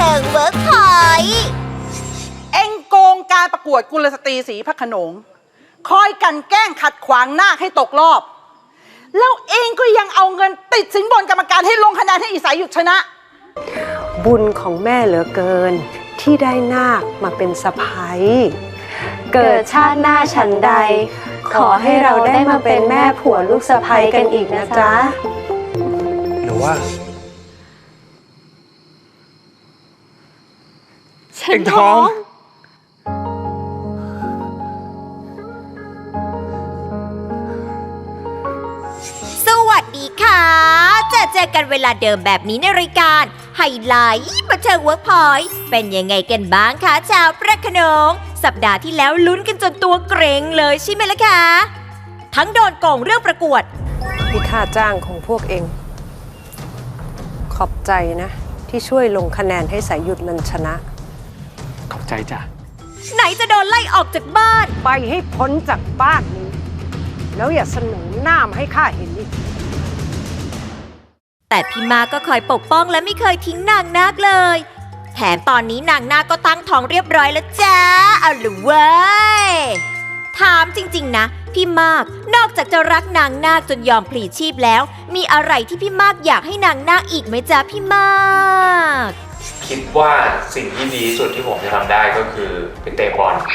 ทิงเวิร์กพอยต์เอ็งโกงการประกวดกุลสตรีศรีพระโขนงคอยกันแกล้งขัดขวางนาคให้ตกรอบแล้วเองก็ยังเอาเงินติดสินบนกรรมการให้ลงคะแนนให้อีสายหยุดชนะบุญของแม่เหลือเกินที่ได้นาคมาเป็นสะใภ้เกิดชาติหน้าฉันใดขอให้เราได้มาเป็นแม่ผัวลูกสะใภ้กันอีกนะจ๊ะหรือว่าฉันท้องสวัสดีค่ะเจอกันเวลาเดิมแบบนี้ในรายการไฮไลท์บันเทิงเวิร์กพอยต์เป็นยังไงกันบ้างคะชาวพระโขนงสัปดาห์ที่แล้วลุ้นกันจนตัวเกรงเลยใช่ไหมล่ะคะทั้งโดนโกงเรื่องประกวดที่ค่าจ้างของพวกเองขอบใจนะที่ช่วยลงคะแนนให้สายหยุดมันชนะขอบใจจ้ะไหนจะโดนไล่ออกจากบ้านไปให้พ้นจากบ้านนี้แล้วอย่าเสนอหน้ามาให้ข้าเห็นอีกแต่พี่มาก็คอยปกป้องและไม่เคยทิ้งนางนาคเลยแถมตอนนี้นางนาคก็ตั้งท้องเรียบร้อยแล้วจ้าเอาล่ะเว้ยถามจริงๆนะพี่มากนอกจากจะรักนางนาคจนยอมพลีชีพแล้วมีอะไรที่พี่มากอยากให้นางนาคอีกไหมจ๊ะพี่มากคิดว่าสิ่งที่ดีที่สุดที่ผมจะทำได้ก็คือไปเตะบอล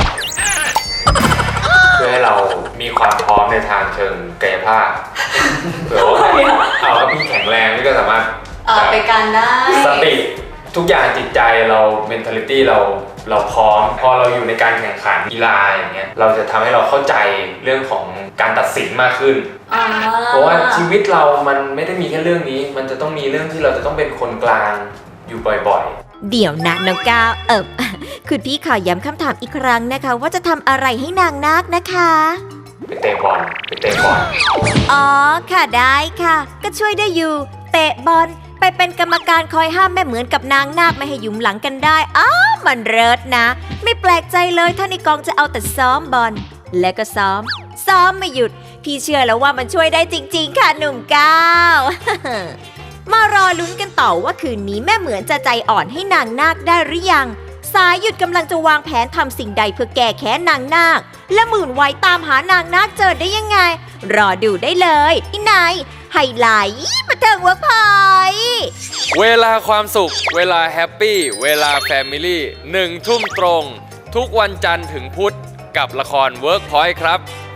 เพื่อให้เรามีความพร้อมในทางเชิงกายภาพเผื่อว่าเอาถ้าพี่แข็งแรงพี่ก็สามารถไปกันได้สติทุกอย่างจิตใจเรา mentality เราพร้อมพอเราอยู่ในการแข่งขันกีฬาอย่างเงี้ยเราจะทำให้เราเข้าใจเรื่องของการตัดสินมากขึ้นเพราะว่าชีวิตเรามันไม่ได้มีแค่เรื่องนี้มันจะต้องมีเรื่องที่เราจะต้องเป็นคนกลางอยู่บ่อยๆเดี๋ยวนะน้องก้าวคุณพี่ขอย้ำคำถามอีกครั้งนะคะว่าจะทำอะไรให้นางนาคนะคะไปเตะบอลอ๋อค่ะได้ค่ะก็ช่วยได้อยู่เตะบอลไปเป็นกรรมการคอยห้ามแม่เหมือนกับนางนาคไม่ให้หยุมหลังกันได้มันเลิศนะไม่แปลกใจเลยถ้าในกองจะเอาแต่ซ้อมบอลและก็ซ้อมไม่หยุดพี่เชื่อแล้วว่ามันช่วยได้จริงๆค่ะหนุ่มก้าว มารอลุ้นกันต่อว่าคืนนี้แม่เหมือนจะใจอ่อนให้นางนาคได้หรือยังสายหยุดกำลังจะวางแผนทำสิ่งใดเพื่อแก้แค้นนางนาคและหมื่นวัยตามหานางนาคเจอได้ยังไงรอดูได้เลยที่ไหนไฮไลท์บันเทิงเวิร์กพอยต์เวลาความสุขเวลาแฮปปี้เวลาแฟมิลี่1 ทุ่มตรงทุกวันจันทร์ถึงพุธกับละครเวิร์กพอยต์ครับ